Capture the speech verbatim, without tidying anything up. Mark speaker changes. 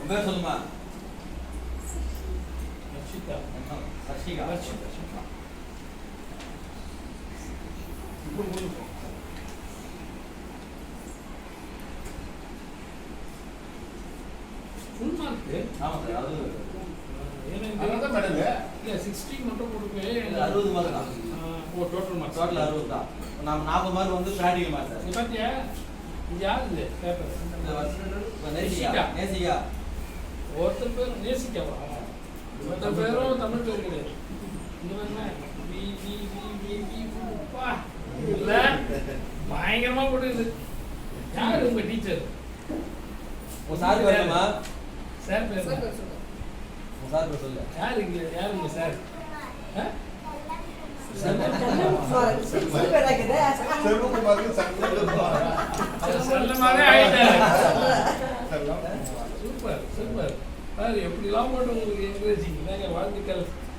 Speaker 1: பேர் சொல்லுமா?
Speaker 2: ரஷிதா.
Speaker 1: ரஷிகா.
Speaker 2: ரஷிதா. இப்போ போதும். Full mark.
Speaker 1: ஆமா சார். அது
Speaker 2: ஏன்னா மேடம் இல்ல sixty மட்டும் கொடுப்பே.
Speaker 1: அறுபது மார்க் தான்.
Speaker 2: ஓ டோட்டல் மார்க்.
Speaker 1: டோட்டல் அறுபது தான். நம்ம நாற்பது மார்க் வந்து பிராக்டிகல் மார்க் சார்.
Speaker 2: இது பாத்தியா? இது யாரு இது பேப்பர்?
Speaker 1: இந்த வருஷம் நேசிகா. நேசிகா.
Speaker 2: ஒருத்தர் பேர் நேசிகாவா? ஒருத்தர் பேரும் தமிழ் பேர் கிடையாது. இந்த என்ன வி வி வி வி வி பா இல்ல பயங்கரமா போடுது. யார் உங்க டீச்சர்?
Speaker 1: உங்க சார் வரணுமா?
Speaker 2: சார் பேர்
Speaker 3: சார் பேர் சொல்லுங்க.
Speaker 1: உங்க சார் பேர் சொல்லு.
Speaker 2: யார் இங்க யார் உங்க சார்? ஆ? செல்லமாவே ஆயிட்டாரு. Super super. பாரு எப்படிலாம் போட்டு உங்களுக்கு என்கரேஜிங். வாழ்த்துக்கள்.